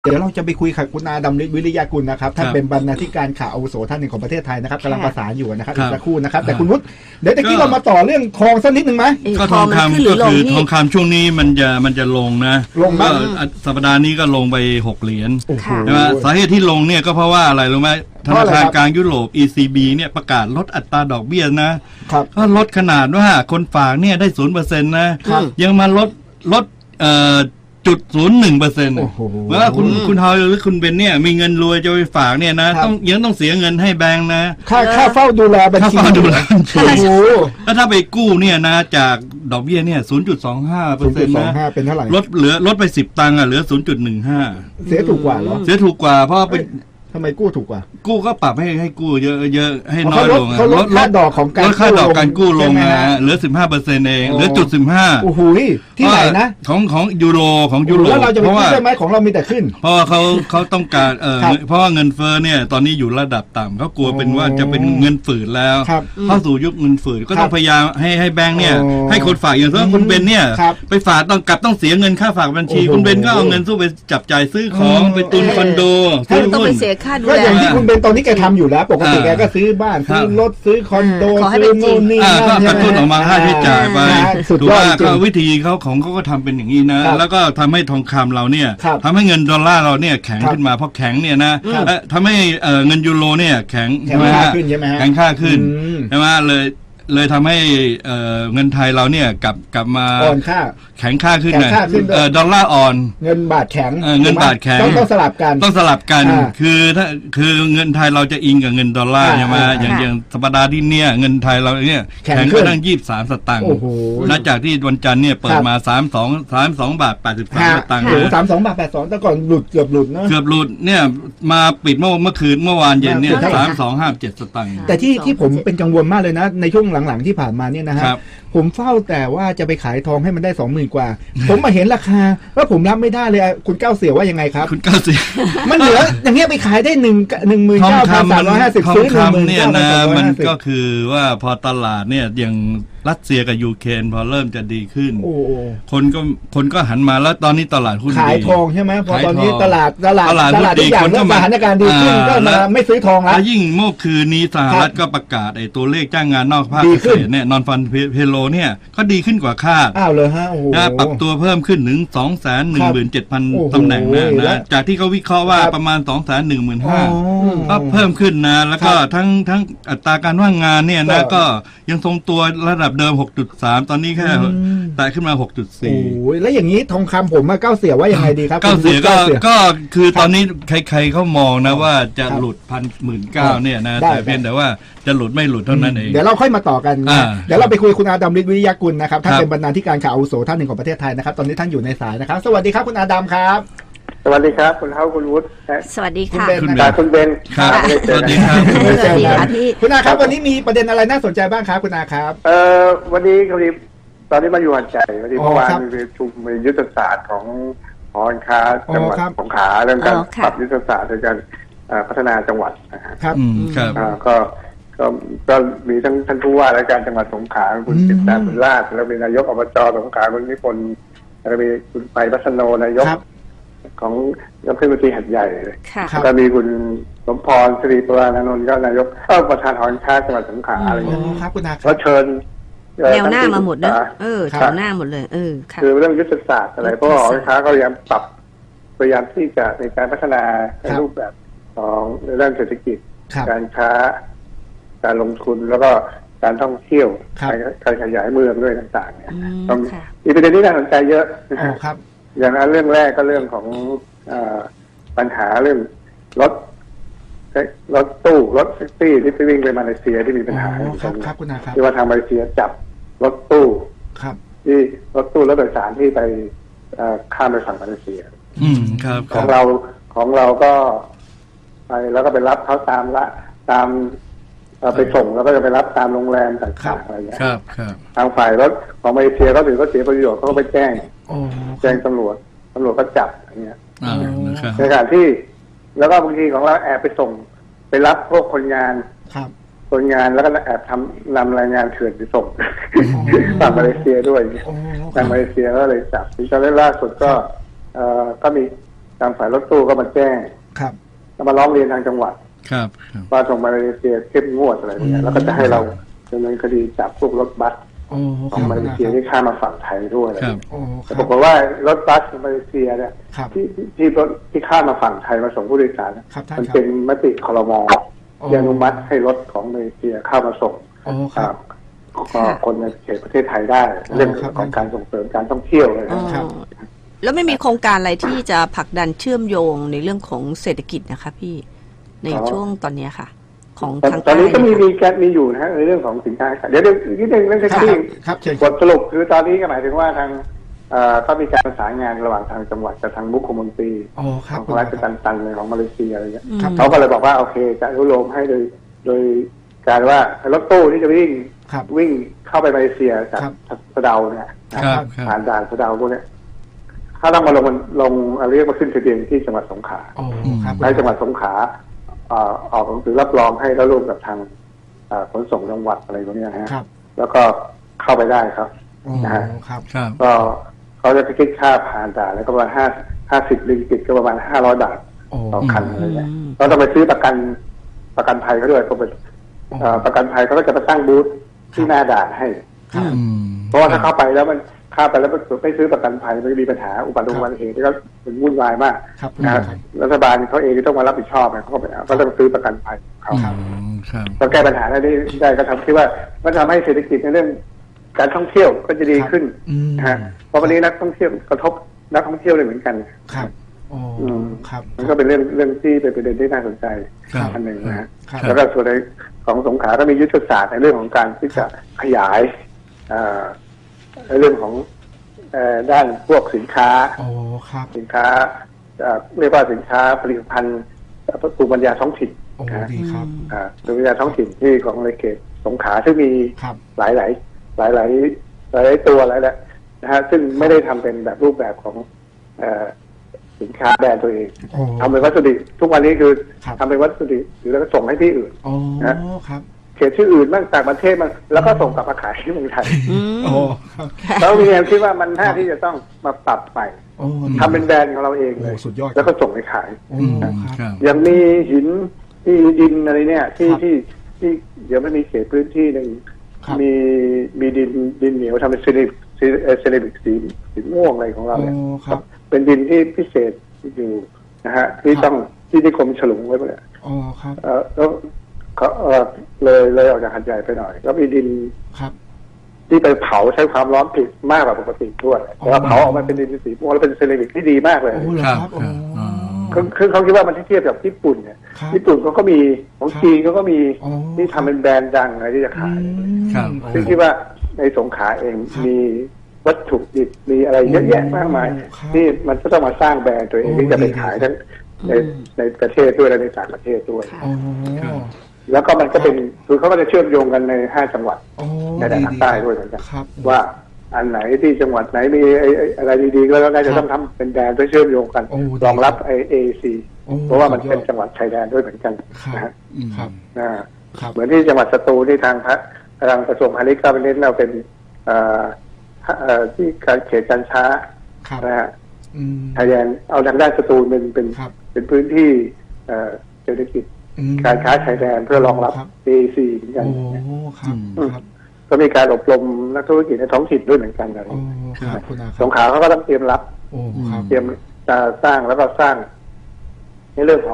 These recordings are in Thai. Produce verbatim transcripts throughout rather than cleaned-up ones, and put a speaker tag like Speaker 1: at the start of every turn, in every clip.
Speaker 1: เดี๋ยวเราจะไปคุยกับคุณอาดำฤทธิ์วิริยากุลนะครับท่านเป็นบรรณาธิการข่าวอาวุโสท่านหนึ่งของประเทศไทยนะครับกำลังประสานอยู่นะครับอีกสักครู่นะครับแต่คุณวุฒิเดี๋ยวตะกี้เรามาต่อเรื่องทองสักนิดหนึ่งไหม
Speaker 2: ก็ทองคำก็คือทองคำช่วงนี้มันจะมันจะลงนะ
Speaker 1: ลงก็
Speaker 2: สัปดาห์นี้ก็ลงไปหกเหรียญใช่ไหมสาเหตุที่ลงเนี่ยก็เพราะว่าอะไรรู้ไหมธนาคารกลางยุโรป อี ซี บี เนี่ยประกาศลดอัตราดอกเบี้ยนะก็ลดขนาดว่าคนฝากเนี่ยได้ศูนย์เปอร์เซ็นต์นะยังมาลดลดเอ่อจุดศูนย์หนึ่งเปอร์เซ็นต์เมื่อคุณคุณฮาวหรือคุณเบนเนี่ยมีเงินรวยจะไปฝากเนี่ยนะต้องยังต้องเสียเงินให้แบงค์นะ
Speaker 1: ค่าค่าเฝ้าดูแลบัญชี
Speaker 2: ค่าเฝ้าดูแลบัญชีแล้วถ้าไปกู้เนี่ยนะจากดอกเบี้ยเนี่ยศูนย์จุดสองห้าเปอร์เซ็นต์นะ
Speaker 1: เป็นเท่าไหร่
Speaker 2: ลดเหลือลดไปสิบตังค์อ่ะเหลือศูนย์จุดหนึ่งห้า
Speaker 1: เสียถูกกว่าเหรอ
Speaker 2: เสียถูกกว่าเพราะเป็น
Speaker 1: ทำไมกู้ถูกกว่า
Speaker 2: กู้ก็ปรับให้ให้กู้เยอะเยอะให้น้อยลง
Speaker 1: เขาลดค่าดอกของการ
Speaker 2: ลดค่าดอกการกู้ลงนะเหลือสิบห้าเปอร์เซ็นต์เองเหลือจุดสิบห้า
Speaker 1: โอ้โหที่ไหนนะ
Speaker 2: ของของยูโรของยูโร
Speaker 1: แล้วเราจะไปขึ้นได้ไหมของเรามีแต่ขึ้น
Speaker 2: เพราะว่าเขาเขาต้องการเออเพราะว่าเงินเฟ้อเนี่ยตอนนี้อยู่ระดับต่ำเขากลัวเป็นว่าจะเป็นเงินฝืดแล้วเข้าสู่ยุคเงินฝืดก็ต้องพยายามให้ให้แบงค์เนี่ยให้คนฝากอย่างเช่นคุณเบนเนี่ยไปฝากต้องกลับต้องเสียเงินค่าฝากบัญชีคุณเบนก็เอาเงินสู้ไปจับจ่ายซื้อของไปตุนคอนโด
Speaker 3: ซื้อหุ้นเสียค่าดูแล
Speaker 1: คุณเบนตอนนี้แกทำอยู่แล้วปกติแกก็ซื้อบ้านซื้อรถซื้อคอนโดซื้อโน่นนี่
Speaker 2: ก็กระตุ้นออกมาค่าใช้จ่ายไปถูกว่าก็วิธีเขาของเขาก็ทำเป็นอย่างนี้นะแล้วก็ทำให้ทองคำเราเนี่ยทำให้เงินดอลลาร์เราเนี่ยแข็งขึ้นมาเพราะแข็งเนี่ยนะทำให้เงินยูโรเนี่ยแข็ง
Speaker 1: แข็งค่าขึ้นใช่ไหม
Speaker 2: แข็งค่าขึ้นใช่ไหมเลยเลยทำให้เงินไทยเราเนี่ยกลับกลับมา
Speaker 1: อ่อนค่า
Speaker 2: แข็งค่าขึ้นหน่อยดอลลาร์อ่อน
Speaker 1: เงินบาทแข็ง
Speaker 2: เงินบาทแข็ง
Speaker 1: ต้องสลับกัน
Speaker 2: ต้องสลับกันคือถ้าคือเงินไทยเราจะอิงกับเงินดอลลาร์ใช่ไหมอย่างอย่างสัปดาห์ที่เนี่ยเงินไทยเราเนี่ยแข็งก็ตั้งยี่สิบสามสตางค์หลังจากที่วันจันทร์เนี่ยเปิดมาสามสองสามสองบาทแปดสิบสามสตางค์
Speaker 1: สามสองบาทแปดสองแต่ก่อนหลุดเกือบหลุดนะ
Speaker 2: เกือบหลุดเนี่ยมาปิดเมื่อเมื่อคืนเมื่อวานเย็นเนี่ยสามสองห้าเจ็ดสตางค์
Speaker 1: แต่ที่ที่ผมเป็นกังวลมากเลยนะในช่วงหลังๆที่ผ่านมาเนี่ยนะฮะผมเฝ้าแต่ว่าจะไปขายทองให้มันได้สองหมื่นกว่าผมมาเห็นราคาแล้วผมรับไม่ได้เลยคุณเก้าเสี่ยวว่ายังไงครับ
Speaker 2: คุณเก้าเสี่ยว
Speaker 1: มันเหลืออย่างเงี้ยไปขายได้หนึ่งหนึ่งหมื่นเก้าพันสามร้อยห้าสิบซื้อหนึ่งหมื่น
Speaker 2: เนี่ยนะมันก็คือว่าพอตลาดเนี่ยอย่างรัสเซียกับยูเครนพอเริ่มจะดีขึ้นคนก็คนก็หันมาแล้วตอนนี้ตลาดหุ้น
Speaker 1: ขายทองใช่ไหมพอตอนนี้ตลาดตลาดตลาดทุกอย่างเริ่มสถานการณ์ดีขึ้นก็มาไม่ซื้อทองแล้ว
Speaker 2: ยิ่งเมื่อคืนนี้สหรัฐก็ประกาศไอ้ตัวเลขจ้างงานนอกภาคเกษตรเนี่ยนอนฟันเพโลเนี่ยก็ดีขึ้นกว่าคาด
Speaker 1: อ้าวเลยฮะโอ้โห
Speaker 2: ปรับตัวเพิ่มขึ้นถึงสองแสนหนึ่งหมื่นเจ็ดพันตำแหน่งนะนะจากที่เขาวิเคราะห์ว่าประมาณสองแสนหนึ่งหมื่นห้าก็เพิ่มขึ้นนะแล้วก็ทั้งทั้งอัตราการว่างงานเนี่ยนะก็ยังทรงตัวระดับเดิม หกจุดสาม ตอนนี้แค่แตะขึ้นมา หกจุดสี่
Speaker 1: โอ้ยแล้วอย่างนี้ทองคำผมมาเก้าเสี่ยว่ายังไงดีครับ
Speaker 2: เก้าเสี่ยก็ก็คือตอนนี้ใครๆเขามองนะว่าจะหลุดพันหมื่นเก้าเนี่ยนะแต่เพียงแต่ว่าจะหลุดไม่หลุดเท่านั้นเอง
Speaker 1: เดี๋ยวเราค่อยมาต่อกันเดี๋ยวเราไปคุยคุณอาดำฤทธิ์วิริยากุลนะครับท่านเป็นบรรณาธิการข่าวอาวุโสท่านหนึ่งของประเทศไทยนะครับตอนนี้ท่านอยู่ในสายนะครับสวัสดีครับคุณอาดำครับ
Speaker 4: สวัสดีครับคุณเท้าคุณวุฒิ
Speaker 3: สวัสดีค่ะ
Speaker 4: คุณเบนคุณเบน
Speaker 2: ครับสวัสดีครับ
Speaker 3: สวัสดีค่ะพี่
Speaker 1: คุณอาครับวันนี้มีประเด็นอะไรน่าสนใจบ้างครับคุณอาครับ
Speaker 4: เอ่อวันนี้พอดีตอนนี้มาอยู่หันใจวันนี้เมื่อวานมีประชุมยุทธศาสตร์ของหอการค้าจังหวัดสงขลาเรื่องการปรับยุทธศาสตร์ในการพัฒนาจังหวัด
Speaker 1: นะครับ
Speaker 4: ก็ก็ก็มีทั้งท่านผู้ว่าราชการจังหวัดสงขลาคุณจิตตาบุญราชแล้วมีนายกอบจสงขลาคุณนิพนธ์แล้วมีคุณไปวัฒโนนายกของรัฐมนตรีหัดใหญ่เลยก็มีคุณสมพรศรีประวานนท์ก็นายกก็ประธานหอการค้าจังหวัดสงขลาอะไรอย่างเงี้ยก็เชิญ
Speaker 3: แนวหน้ามาหมดนะเออแถวหน้าหมดเลยเออ
Speaker 4: คือเรื่องยุทธศาสตร์อะไรเพราะหอการค้าก็พยายามปรับพยายามที่จะในการพัฒนาในรูปแบบของในด้านเศรษฐกิจการค้าการลงทุนแล้วก็การท่องเที่ยวการขยายเมืองด้วยต่างๆเนี่ยมีประเด็นที่น่าสนใจเยอะ
Speaker 1: นะครับ
Speaker 4: อย่างนั้นเรื่องแรกก็เรื่องของปัญหาเรื่องรถรถตู้รถแท็กซี่ที่ไปวิ่งไปมาเลเซียที่มีปัญหาที่ว่าทางมาเลเซียจับรถตู้ที่รถตู้รถโดยสารที่ไปข้ามไปฝั่งมาเลเซียของเราของเราก็ไปแล้วก็ไปรับเขาตามละตามไปส่งแล้วก็จะไปรับตามโรงแรมต่างๆอะไรอย่างเงี้ยทางฝ่ายรถของมาเลเซียก็ถือว่าเสียประโยชน์เขาก็ไปแจ้งแจ้งตำรวจตำรวจก็จับอย่างเงี้ยในขณะที่แล้วก็บางทีของเราแอบไปส่งไปรับพวกคนงานคนงานแล้วก็แอบทำนำรายงานเถื่อนไปส่งฝั่งมาเลเซียด้วยทางมาเลเซียก็เลยจับที่ตอนล่าสุดก็เอ่อก็มีทางฝ่ายรถตู้ก็มาแจ้ง
Speaker 1: ครับ
Speaker 4: ก็มาร้องเรียนทางจังหวัด
Speaker 2: ครับ
Speaker 4: ว่าส่งมาเลเซียเข้มงวดอะไรอย่างเงี้ยแล้วก็จะให้เราดำเนินคดีจับพวกรถบัสของมาเลเซียที่ข้ามมาฝั่งไทยด้วยอะไรอย่างเงี้ยแต่บอกว่ารถบัสของมาเลเซียเนี่ยที่ที่รถที่ข้ามมาฝั่งไทยมาส่งผู้โดยสารมันเป็นมติครม.ที่อนุมัติให้รถของมาเลเซียเข้ามาส่งก็คนในเขตประเทศไทยได้เรื่องของการส่งเสริมการท่องเที่ยวเลยนะครับ
Speaker 3: แล้วไม่มีโครงการอะไรที่จะผลักดันเชื่อมโยงในเรื่องของเศรษฐกิจนะคะพี่ในช่วงตอนนี้ค่ะของทาง
Speaker 4: ตอนนี้ก็มีมีแกมีอยู่นะฮะในเรื่องของสินค้าเดี๋ยวเดี๋ยวนิดนึงเรื่องแท็กซี่บทสรุปคือตอนนี้ก็หมายถึงว่าทางก็มีการประสานงานระหว่างทางจังหวัดกับทางมุขมนตรีของรัฐตันตันเลยของมาเลเซียอะไรเงี้ยเขาก็เลยบอกว่าโอเคจะอนุโลมให้โดยโดยการว่ารถตู้ที่จะวิ่งวิ่งเข้าไปมาเลเซียจากสะเดาเนี่ยผ่านด่านสะเดาพวกนี้ถ้าต้องมาลงมันลงเรียกว่าขึ้นทะเบียนที่จังหวัดสงขลาในจังหวัดสงขลาออกหนังสือรับรองให้แล้วร่วมกับทางขนส่งจังหวัดอะไรพวกนี้ฮะแล้วก็เข้าไปได้ครับนะฮะก็เขาจะคิดค่าผ่านด่านแล้วก็ประมาณห้าห้าสิบริงกิตก็ประมาณห้าร้อยบาทต่อคันอะไรเงี้ยเราต้องไปซื้อประกันประกันภัยเขาด้วยก็เป็นประกันภัยเขาก็จะมาตั้งบูธที่หน้าด่านให้เพราะว่าถ้าเข้าไปแล้วมันเข้าไปแล้วไม่ซื้อประกันภัยมันจะมีปัญหาอุบัติเหตุที่ก็เป็นวุ่นวายมากนะรัฐบาลเขาเองต้องมารับผิดชอบนะเขาก็ต้องซื้อประกันภัยเขาก็แก้ปัญหาได้ได้ก็ทำที่ว่ามันทำให้เศรษฐกิจในเรื่องการท่องเที่ยวก็จะดีขึ้นนะฮะเพราะวันนี้นักท่องเที่ยวกระทบนักท่องเที่ยวเลยเหมือนกัน
Speaker 1: ครับอืมครับ
Speaker 4: มันก็เป็นเรื่องเรื่องที่เป็นประเด็นที่น่าสนใจอันหนึ่งนะฮะแล้วก็ส่วนในของสงขลาก็มียุทธศาสตร์ในเรื่องของการที่จะขยายในเรื่องของด้านพวกสินค้าสินค้าเรียกว่าสินค้าผลิตภัณฑ์ภูมิปัญญาท้องถิ่น
Speaker 1: นะครับ
Speaker 4: ภูมิปัญญาท้องถิ่นที่ของในเขตสงขลาซึ่งมีหลายหลายหลายหลายหลายตัวหลายแหละนะฮะซึ่งไม่ได้ทำเป็นแบบรูปแบบของสินค้าแบรนด์ตัวเองทำเป็นวัสดุทุกวันนี้คือทำเป็นวัสดุหรือแล้วก็ส่งให้ที่อื่นนะครับเขตที่อื่นบ้างต่างประเทศมันแล้วก็ส่งกลับมาขายที่เมืองไทยแล้วมีแนวคิดว่ามันน่าที่จะต้องมาปรับใหม่ทำเป็นแบรนด์ของเราเองเลยแล้วก็ส่งไปขายอย่างมีหินที่ดินอะไรเนี่ยที่ที่ที่เดี๋ยวมันมีเขตพื้นที่หนึ่งมีมีดินดินเหนียวทำเป็นเซรามิกเซรามิกสีสีม่วงอะไรของเราเนี่ยเป็นดินที่พิเศษอยู่นะฮะที่ต้องที่นิคมฉลุงไว้หมดเลย
Speaker 1: อ๋อครับ
Speaker 4: เออแล้วเขาเออเลยเลยออกจากหัดใหญ่ไปหน่อยแล้วมีดิน
Speaker 1: ครับ
Speaker 4: ที่ไปเผาใช้ความร้อนผิดมากกว่าปกติด้วยแต่ว่าเผาออกมาเป็นดินสีม่วงแล้วเป็นเซรามิกที่ดีมากเลย
Speaker 1: ครับ
Speaker 4: คือเขาคิดว่ามันที่เทียบกับญี่ปุ่นเนี่ยญี่ปุ่นเขาก็มีของจีนเขาก็มีที่ทำเป็นแบรนด์ดังอะไรที่จะขายซึ่งคิดว่าในสงขลาเองมีวัตถุดิบมีอะไรเยอะแยะมากมายที่มันก็ต้องมาสร้างแบรนด์ตัวเองที่จะไปขายทั้งในในประเทศด้วยและในต่างประเทศด้วยแล้วก็มันก็เป็นคือเขาก็จะเชื่อมโยงกันในห้าจังหวัดในแดนภาคใต้ด้วยเหมือนกันว่าอันไหนที่จังหวัดไหนมีอะไรดีๆก็แล้วน่าจะต้องทำเป็นแบรนด์เพื่อเชื่อมโยงกันรองรับไอเอซีเพราะว่ามันเป็นจังหวัดชายแดนด้วยเหมือนกันนะฮะเหมือนที่จังหวัดสตูลที่ทางพระทางกระทรวงพาณิชย์ก็เป็นเน้นเราเป็นที่การเขตการช้านะฮะชายแดนเอาทางด้านสตูลเป็นเป็นเป็นพื้นที่เศรษฐกิจการค้าชายแดนเพื่อรองรับ เอ ซี เหมือนกันก็มีการอบรมนักธุรกิจในท้องถิ่นด้วยเหมือนกันอะไรสงขลาเขาก็ต้องเตรียมรับเตรียมสร้างแล้วก็สร้างในเรื่องของ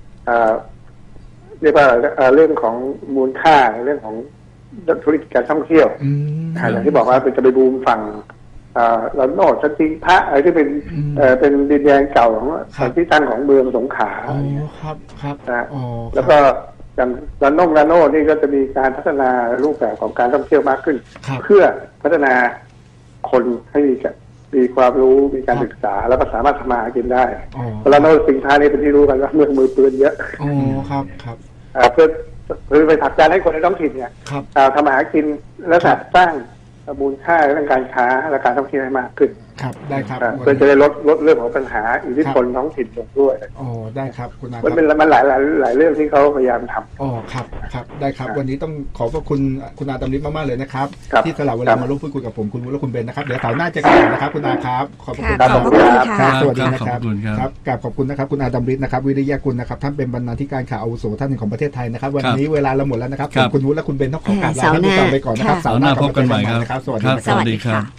Speaker 4: เรียกว่าเรื่องของมูลค่าเรื่องของธุรกิจการท่องเที่ยวอย่างที่บอกว่าเป็นจะไปบูมฝั่งเราโนดสันติพระอะไรที่เป็นเป็นดินแดนเก่าของที่ตั้งของเมืองสงขลา
Speaker 1: ครับครับ
Speaker 4: นะแล้วก็อย่างลานงลานโนนี่ก็จะมีการพัฒนารูปแบบของการท่องเที่ยวมากขึ้นเพื่อพัฒนาคนให้มีมีความรู้มีการศึกษาแล้วก็สามารถทำมาหากินได้ลานโนสินค้านี้เป็นที่รู้กันว่าเมืองมือปืนเยอะ
Speaker 1: อ๋อครับครับ
Speaker 4: เพื่อเพื่อไปผลักดันให้คนในท้องถิ่นเนี่ยทำมาหากินและสร้างมูลค่าเรื่องการค้าและการท่องเที่ยวให้มากขึ้น
Speaker 1: ครับได้ครับ
Speaker 4: เพื่อจะได้ลดลดเรื่องของปัญหาอิทธิพลท้องถิ่นลงด้วย
Speaker 1: อ๋อได้ครับคุณอาค
Speaker 4: มัน
Speaker 1: รับ
Speaker 4: เป็นมันหลายหลายหลายเรื่องที่เขาพยายามทำ
Speaker 1: อ๋อครับครับได้ครับวันนี้ต้องขอบพระคุณคุณอาดำริศมากๆเลยนะครับ
Speaker 4: ครับ
Speaker 1: ที่สละเวลามาร่วมพูดคุยกับผมคุณวุฒิและคุณเบนนะครับเดี๋ยวเสาร์หน้าเจะกันนะครับคุณอาครับขอบพระคุณ
Speaker 3: ค่ะขอบพระคุณค่ะ
Speaker 1: ครับสวัสดีนะค
Speaker 2: ข
Speaker 1: รั
Speaker 2: อ
Speaker 1: บบ
Speaker 2: คุณครับ
Speaker 1: ครับกราบขอบคุณนะครับคุณอาดำริศนะครับวิริยะกุลนะครับท่านเป็นบรรณาธิการข่าวอาวุโสท่านหนึ่งของประเทศไทยนะครับวันนี้เวลาเราหมดแล้วนะครับ
Speaker 2: ครับ
Speaker 1: ผมคุณวุฒิและคุณเบนต้องขอกราบลา
Speaker 3: เสาร์
Speaker 1: ท่าน
Speaker 3: หน้า
Speaker 1: ผู้ฟังไปก่อนนะครับ
Speaker 3: ค่ะ
Speaker 1: เสาร์หน้า
Speaker 2: พบกันใหม่ครับ
Speaker 1: นะครับสวัสดี
Speaker 2: ครับ
Speaker 1: นะค
Speaker 2: ส
Speaker 1: รับ
Speaker 2: วัสดีครับ
Speaker 3: ค่ะ